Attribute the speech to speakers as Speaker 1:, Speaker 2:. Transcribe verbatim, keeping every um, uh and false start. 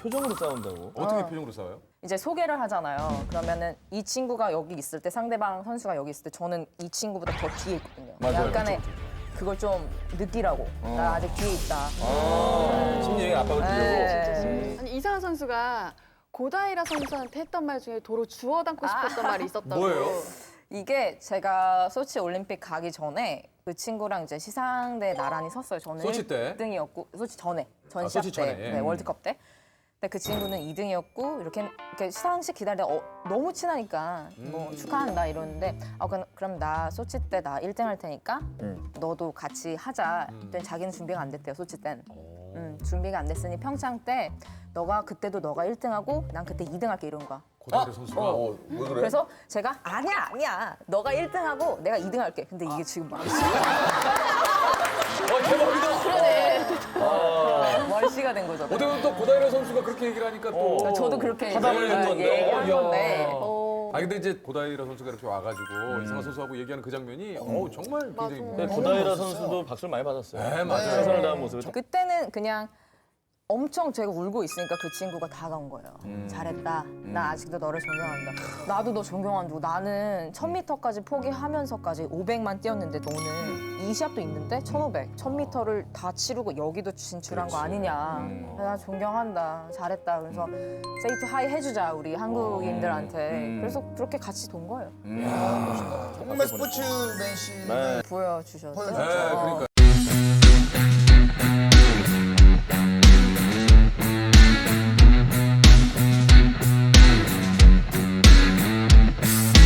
Speaker 1: 표정으로 싸운다고?
Speaker 2: 어떻게
Speaker 3: 어.
Speaker 2: 표정으로 싸워요?
Speaker 3: 이제 소개를 하잖아요. 그러면은 이 친구가 여기 있을 때 상대방 선수가 여기 있을 때 저는 이 친구보다 더 뒤에 있거든요.
Speaker 2: 맞아요.
Speaker 3: 약간의 그걸 좀 느끼라고. 나 아직 뒤에 있다.
Speaker 1: 아, 심리적인 압박을 주려고?
Speaker 3: 네.
Speaker 4: 아니 이상한 선수가 고다이라 선수한테 했던 말 중에 도로 주워 담고 싶었던 말이 있었다고.
Speaker 2: 뭐예요?
Speaker 3: 이게 제가 소치 올림픽 가기 전에 그 친구랑 이제 시상대에 나란히 섰어요. 저는
Speaker 2: 소치 때?
Speaker 3: 일 등이었고 소치 전에
Speaker 2: 아,
Speaker 3: 전시합
Speaker 2: 소치
Speaker 3: 때
Speaker 2: 전에.
Speaker 3: 네, 월드컵 때. 근데 그 친구는 이 등이었고 이렇게, 이렇게 시상식 기다리다 어, 너무 친하니까 뭐
Speaker 2: 음.
Speaker 3: 축하한다 이러는데 아 그럼, 그럼 나 소치 때 나 일 등 할 테니까
Speaker 1: 음.
Speaker 3: 너도 같이 하자.
Speaker 2: 음.
Speaker 3: 그때 자기는 준비가 안 됐대요 소치 땐.
Speaker 2: 오.
Speaker 3: 음, 준비가 안 됐으니 평창 때 너가 그때도 너가 일 등 하고 난 그때 이 등 할게 이런 거야.
Speaker 2: 고다이라 선수가
Speaker 1: 어, 왜 그래?
Speaker 3: 그래서 제가 아니야 아니야 너가 일 등 하고 내가 이 등 할게. 근데 이게 지금 막
Speaker 2: 어, 대박이다.
Speaker 3: 월시가 된 거죠.
Speaker 2: 어떻게 보면 또 고다이라 선수가 그렇게 얘기를 하니까 또
Speaker 3: 어, 저도 그렇게
Speaker 1: 화답을 낸 건데.
Speaker 3: 얘기한
Speaker 2: 어,
Speaker 3: 건데.
Speaker 2: 야.
Speaker 4: 어.
Speaker 2: 아 근데 이제 고다이라 선수가 이렇게 와가지고 이상한 선수하고 얘기하는 그 장면이 어우 정말 굉장히
Speaker 1: 네, 고다이라 선수도 박수를 많이 받았어요.
Speaker 2: 네, 맞아요.
Speaker 1: 최선을 다한 모습을.
Speaker 3: 그때는 그냥 엄청 제가 울고 있으니까 그 친구가 다가온 거예요.
Speaker 1: 음.
Speaker 3: 잘했다. 나 아직도 너를 존경한다. 나도 너 존경한다. 나는 천 미터까지 포기하면서까지 오백만 뛰었는데 너는 이 시합도 있는데 천오백, 천 미터를 다 치르고 여기도 진출한 거 아니냐.
Speaker 1: 음.
Speaker 3: 나 존경한다. 잘했다. 그래서 세이 투 하이 해주자 우리 한국인들한테.
Speaker 1: 음.
Speaker 3: 그래서 그렇게 같이 돈 거예요.
Speaker 5: 정말 스포츠맨십.
Speaker 1: 네.
Speaker 3: 보여주셨죠.
Speaker 5: 보여줬죠.
Speaker 2: 네, 그러니까요.